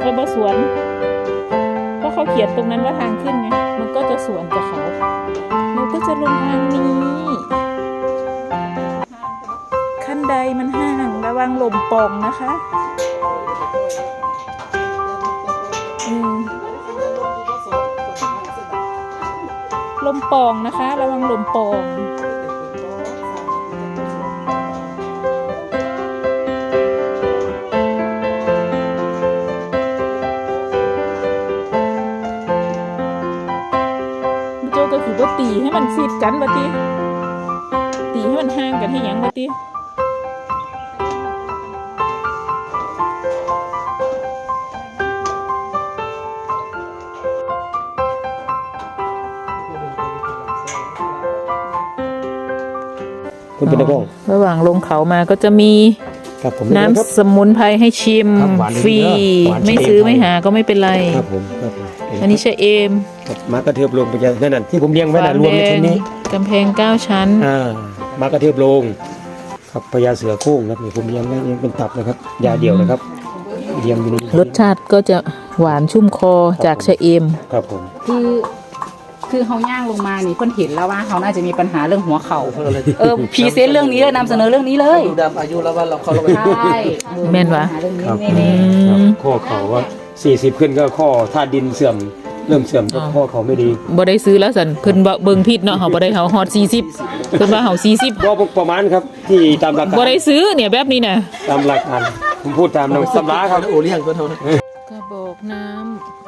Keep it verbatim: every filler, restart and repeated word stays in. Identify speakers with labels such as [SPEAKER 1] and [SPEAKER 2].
[SPEAKER 1] ก็บ่สวนเพราะเขาเขียนตรงนั้นว่าทางขึ้นไงมันก็จะสวนกับเขาเราก็จะลงทางนี้ขั้นใดมันห่างระวังลมปองนะคะอืมลมปองนะคะระวังลมปองโจก็คือว่าตีให้มันซีดกันวะตีตีให้มันห่างกันให้ยังวะตี
[SPEAKER 2] คุณเป็นนักร้อง
[SPEAKER 1] ระหว่างลงเขามาก็จะมีน้ำสมุนไพรให้ชิมฟรีไม่ซื้อไม่หาก็ไม่เป็นไร
[SPEAKER 2] ครับผมครับ
[SPEAKER 1] อันนี้ใช่เอม
[SPEAKER 2] มากระเทือบลงไปนั่นนั่นที่ผมเลี้ยงไว้น่ะรวมในชุดนี้
[SPEAKER 1] กำแพงเก้าชั้น
[SPEAKER 2] อ่ามากระเทือบลงครับพญาเสือโคร่งครับนี่ผมเลี้ยงไว้เป็นตับนะครับยาเดียวนะครับเลี้ยงอยู่นี่
[SPEAKER 1] รสชาติก็จะหวานชุ่มคอจากชะเอม
[SPEAKER 2] ครับผม
[SPEAKER 3] คือคือเขาย่างลงมานี่เพิ่นเห็นแล้วว่าเขาน่าจะมีปัญหาเรื่องหัวเข่าเออพรีเซนต์เรื่องนี้เลยนำเสนอเรื่องนี้เลย
[SPEAKER 4] ดูดำอายุแล้วว่าเราเขาเราไป
[SPEAKER 3] ใช่
[SPEAKER 1] แม่นวะ
[SPEAKER 2] ข้อเขาว่าสี่สิบขึ้นก็ข้อธาตุดินเสื่อมเริ่มเสื่อมก็ข้อเขาไม่ดี
[SPEAKER 1] บ่ได้ซื้อแล้วสันเพิ่นเบิ่งผิดเนาะเฮาบ่ได้เฮาฮอดสี่สิบเพิ่นว่าเฮาสี่สิบ
[SPEAKER 2] บ่ประมาณครับที่ตามหลัก
[SPEAKER 1] บ่ได้ซื้อเนี่ยแบบนี้น่ะ
[SPEAKER 2] ตามหลักการผมพูดตามตำราครับ
[SPEAKER 4] โอเลี้ยงก็เท่านั้น
[SPEAKER 1] กระบอกน้ำ